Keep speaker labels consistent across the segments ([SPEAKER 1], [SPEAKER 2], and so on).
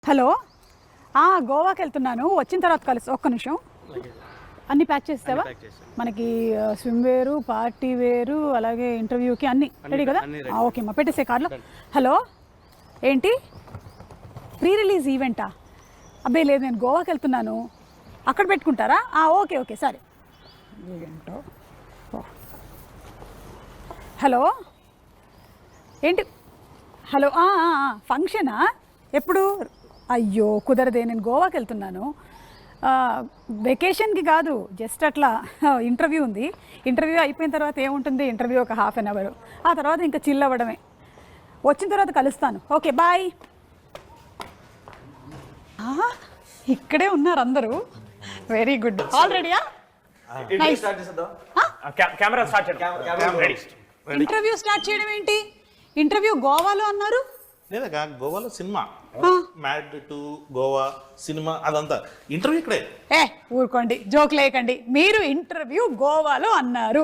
[SPEAKER 1] Hello, గోవాకి వెళ్తున్నాను. వచ్చిన తర్వాత కలుసు. ఒక్క నిమిషం. అన్నీ ప్యాక్ చేస్తావా? మనకి స్విమ్ వేరు, పార్టీ వేరు, అలాగే ఇంటర్వ్యూకి అన్నీ రెడీ కదా? ఓకే అమ్మా, పెట్టేసే కార్లో. హలో, ఏంటి ప్రీ రిలీజ్ ఈవెంటా? అబ్బాయి లేదు, నేను గోవాకి వెళ్తున్నాను. అక్కడ పెట్టుకుంటారా? ఓకే ఓకే సరే. ఈవెంటో. హలో, ఏంటి? హలో, ఫంక్షనా? ఎప్పుడు? అయ్యో కుదరదే, నేను గోవాకి వెళ్తున్నాను. వెకేషన్కి కాదు, జస్ట్ అట్లా ఇంటర్వ్యూ ఉంది. ఇంటర్వ్యూ అయిపోయిన తర్వాత ఏముంటుంది, ఇంటర్వ్యూ ఒక హాఫ్ అన్ అవర్, ఆ తర్వాత ఇంకా చిల్ అవ్వడమే. వచ్చిన తర్వాత కలుస్తాను. Okay bye. ఇక్కడే ఉన్నారు అందరూ. Very good. ఆల్ రెడీయా? ఇంటర్వ్యూ స్టార్ట్ చేయడం ఏంటి? ఇంటర్వ్యూ గోవాలో అన్నారు.
[SPEAKER 2] లేదా గోవాలో cinema mad to Goa cinema అదంతా ఇంటర్వ్యూ ఇక్కడే.
[SPEAKER 1] ఊరుకోండి, జోక్ లేకండి. మీరు ఇంటర్వ్యూ గోవాలో అన్నారు.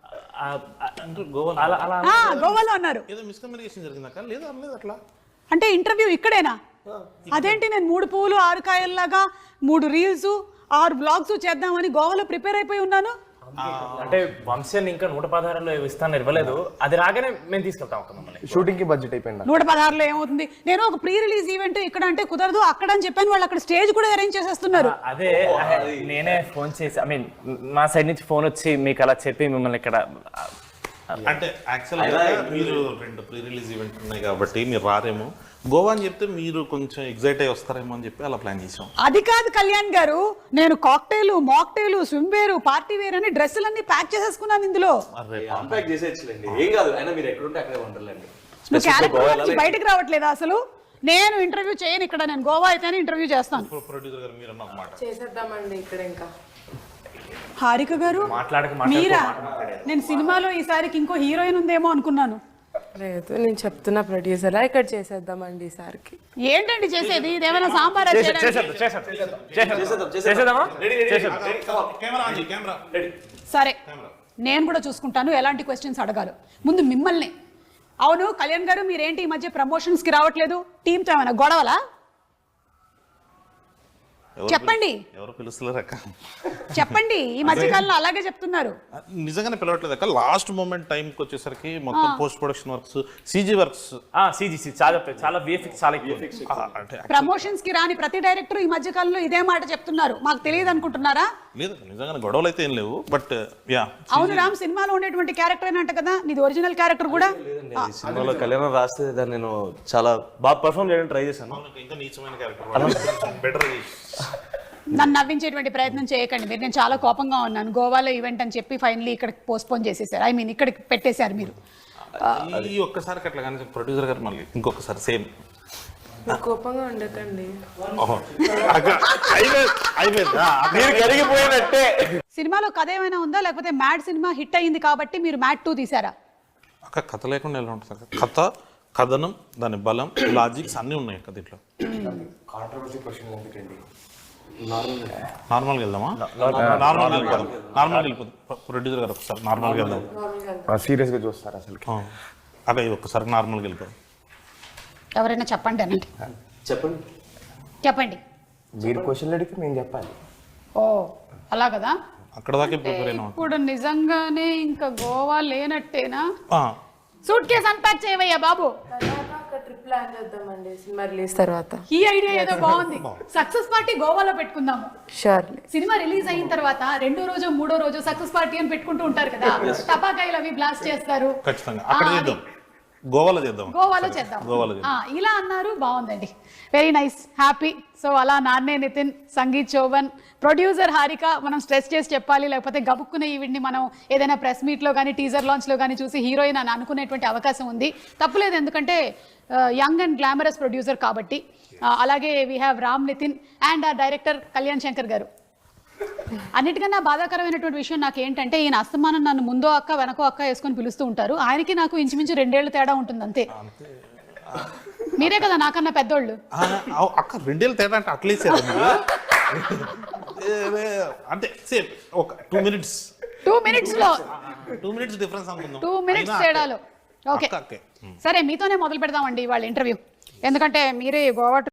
[SPEAKER 1] గోవాలో అన్నారు.
[SPEAKER 2] ఏదో మిస్కమ్యూనికేషన్ జరిగిందాక? లేదా అనలేదు అట్లా.
[SPEAKER 1] అంటే ఇంటర్వ్యూ ఇక్కడేనా? అదేంటి, నేను 3 పువ్వులు 6 కాయల్లాగా 3 రీల్స్ 6 బ్లాగ్స్ చేద్దామని గోవాలో ప్రిపేర్ అయిపోయి ఉన్నాను.
[SPEAKER 3] అంటే వంశన్ ఇంకా 116లో ఇస్తాను ఇవ్వలేదు. అది రాగానే మేము తీసుకెళ్తాం.
[SPEAKER 4] షూటింగ్ కి బడ్జెట్ అయిపోయింది.
[SPEAKER 1] 116లో ఏమవుతుంది? నేను ఒక ప్రీ రిలీజ్ ఈవెంట్ ఇక్కడ అంటే కుదరదు, అక్కడ అని చెప్పాను. వాళ్ళు అక్కడ స్టేజ్ కూడా అరేంజ్ చేసేస్తున్నారు.
[SPEAKER 3] అదే నేనే ఫోన్ చేసి, ఐ మీన్ మా సైడ్ నుంచి ఫోన్ వచ్చి మీకు అలా చెప్పి మిమ్మల్ని ఇక్కడ
[SPEAKER 2] అంటే యాక్చువల్గా మీరు 2 ప్రీ రిలీజ్ ఈవెంట్ ఉన్నాయి కాబట్టి మీరు రారేమో. గోవా అని చెప్తే మీరు కొంచెం ఎగ్జైట్ అయ్యి వస్తారేమో అని చెప్పి అలా ప్లాన్ చేసాం.
[SPEAKER 1] అది కాదు కళ్యాణ్ గారు, నేను cocktail, mocktail, swim wear, party wear అని డ్రెస్సులన్నీ ప్యాక్ చేసేసుకున్నాను ఇందులో. నువ్వు క్యారెక్టర్ నుంచి బయటకు రావట్లేదా అసలు? నేను ఇంటర్వ్యూ చేయను ఇక్కడ. నేను గోవా అయితేనే ఇంటర్వ్యూ చేస్తాను.
[SPEAKER 2] ప్రొడ్యూసర్ గారు మీరు అన్న మాట
[SPEAKER 5] చేసేద్దామండి ఇక్కడ. ఇంకా
[SPEAKER 1] హారిక గారు మీరా? నేను సినిమాలో ఈసారికి ఇంకో హీరోయిన్ ఉందేమో అనుకున్నాను.
[SPEAKER 5] లేదు, నేను చెప్తున్నా ప్రొడ్యూసర్, ఇక్కడ చేసేద్దామండి ఈసారికి.
[SPEAKER 1] ఏంటండి చేసేది? ఇదేమైనా సాంబార్? సరే, నేను కూడా చూసుకుంటాను ఎలాంటి క్వశ్చన్స్ అడగాలి. ముందు మిమ్మల్ని. అవును కళ్యాణ్ గారు, మీరేంటి ఈ మధ్య ప్రమోషన్స్కి రావట్లేదు? టీంతో ఏమైనా గొడవలా? చెప్పండి.
[SPEAKER 2] ఎవరు పిలుస్తలేరు అక్క? చెప్పండి.
[SPEAKER 1] ఈ మధ్యకాలంలో అలాగే చెప్తున్నారు.
[SPEAKER 2] నిజంగానే పిలవట్లేదు అక్క. లాస్ట్ మూమెంట్ టైంకి వచ్చేసరికి మొత్తం post production works, CG works,
[SPEAKER 3] సిజిసి చాలా విఎఫ్ఎక్స్ చాలా
[SPEAKER 2] అంటే
[SPEAKER 1] ప్రమోషన్స్ కి రాని ప్రతి డైరెక్టర్ ఈ మధ్య కాలంలో ఇదే మాట చెప్తున్నారు. మాకు తెలియదు అనుకుంటున్నారా?
[SPEAKER 2] లేదు, నిజంగానే గొడవలు అయితే ఏం లేవు. బట్ యా,
[SPEAKER 1] అవును రామ్, సినిమాలో ఉండేటువంటి క్యారెక్టర్ ఏనంట కదా నీది? ఒరిజినల్ క్యారెక్టర్ కూడా
[SPEAKER 4] సినిమాలో కళ్యాణం రాస్తే దాన్ని నేను చాలా బాగా పర్ఫామ్ చేయడానికి ట్రై చేశాను.
[SPEAKER 2] ఇంకా నీచమైన క్యారెక్టర్ బెటర్.
[SPEAKER 1] నన్ను నవ్వించేటువంటి ప్రయత్నం చేయకండి మీరు. నేను చాలా కోపంగా ఉన్నాను. గోవాలో ఈవెంట్ అని చెప్పి ఫైనల్లీ ఇక్కడ పోస్ట్పోన్ చేసేసారు. ఐ మీన్ ఇక్కడికి పెట్టేశారు మీరు.
[SPEAKER 2] ఈ ఒక్కసారి అట్లా కానీ ప్రొడ్యూసర్ గారు మళ్ళీ ఇంకొకసారి సేమ్.
[SPEAKER 5] కోపంగా ఉండకండి.
[SPEAKER 1] సినిమాలో కథ ఏమైనా ఉందా, లేకపోతే మ్యాడ్ సినిమా హిట్ అయ్యింది కాబట్టి మీరు మ్యాడ్ 2 తీసారా?
[SPEAKER 2] అక్క కథ లేకుండా ఎలా ఉంటుంది? కథ, కథనం, దాని బలం, లాజిక్స్ అన్నీ ఉన్నాయి అక్క దీంట్లో. నార్మల్గా వెళ్దామా? నార్మల్గా వెళ్ళిపోదు ప్రొడ్యూసర్ గారు. ఒకసారి నార్మల్గా వెళ్దాం.
[SPEAKER 4] సీరియస్గా చూస్తారు అసలు.
[SPEAKER 2] అక్క ఇది ఒక్కసారి నార్మల్గా వెళ్ళిపోదు.
[SPEAKER 1] ఎవరైనా చెప్పండి అనండి. చెప్పండి.
[SPEAKER 4] మీరు క్వశ్చన్ అడిగితే మేము చెప్పాలి.
[SPEAKER 1] ఓ అలా కదా.
[SPEAKER 2] అక్కడ దాకా ప్రిపేర్ అయినా.
[SPEAKER 1] ఇప్పుడు నిజంగానే ఇంకా గోవా లేనట్టేనా? సూట్ కేసు అన్పాక్ చేయవయ్యా బాబు.
[SPEAKER 5] ట్రిప్ ప్లాన్ చేద్దామండి సినిమా రిలీజ్ తర్వాత.
[SPEAKER 1] ఈ ఐడియా ఏదో బాగుంది. సక్సెస్ పార్టీ గోవాలో పెట్టుకుందాము.
[SPEAKER 5] షూర్లీ.
[SPEAKER 1] సినిమా రిలీజ్ అయిన తర్వాత 2వ రోజు 3వ రోజు సక్సెస్ పార్టీ అని పెట్టుకుంటూ ఉంటారు కదా. టపాకాయలు అవి బ్లాస్ట్ చేస్తారు.
[SPEAKER 2] ఖచ్చితంగా అక్కడ చేద్దాం. గోవాలో చేద్దాం.
[SPEAKER 1] ఇలా అన్నారు. బాగుందండి. Very nice, happy. సో అలా నాన్నే నితిన్, సంగీత్ చౌవన్, ప్రొడ్యూసర్ హారిక. మనం స్ట్రెస్ చేసి చెప్పాలి, లేకపోతే గబుక్కున్న ఈవిడ్ని మనం ఏదైనా ప్రెస్ మీట్లో కానీ టీజర్ లాంచ్లో కానీ చూసి హీరోయిన్ అని అనుకునేటువంటి అవకాశం ఉంది. తప్పులేదు, ఎందుకంటే యంగ్ అండ్ గ్లామరస్ ప్రొడ్యూసర్ కాబట్టి. అలాగే we have Ram Nithiin and director Kalyan Shankar garu. అన్నిటికన్నా బాధాకరమైనటువంటి విషయం నాకు ఏంటంటే, ఈయన అస్తమానం నన్ను ముందో అక్క వెనకో అక్క వేసుకొని పిలుస్తూ ఉంటారు. ఆయనకి నాకు ఇంచుమించు 2 ఏళ్ళు తేడా ఉంటుంది అంతే. మీరే కదా నాకన్నా పెద్దోళ్ళు.
[SPEAKER 2] అక్క 2 ఏళ్ళు తేడా అంటే అట్లీస్ట్ అంటే సేమ్ ఒక 2 మినిట్స్
[SPEAKER 1] 2 మినిట్స్లో
[SPEAKER 2] 2 మినిట్స్ డిఫరెన్స్ అనుకుందాం.
[SPEAKER 1] 2 మినిట్స్ తేడాలో. ఓకే సరే, మీతోనే మొదలు పెడదామండి వాళ్ళ ఇంటర్వ్యూ. ఎందుకంటే మీరే గోవా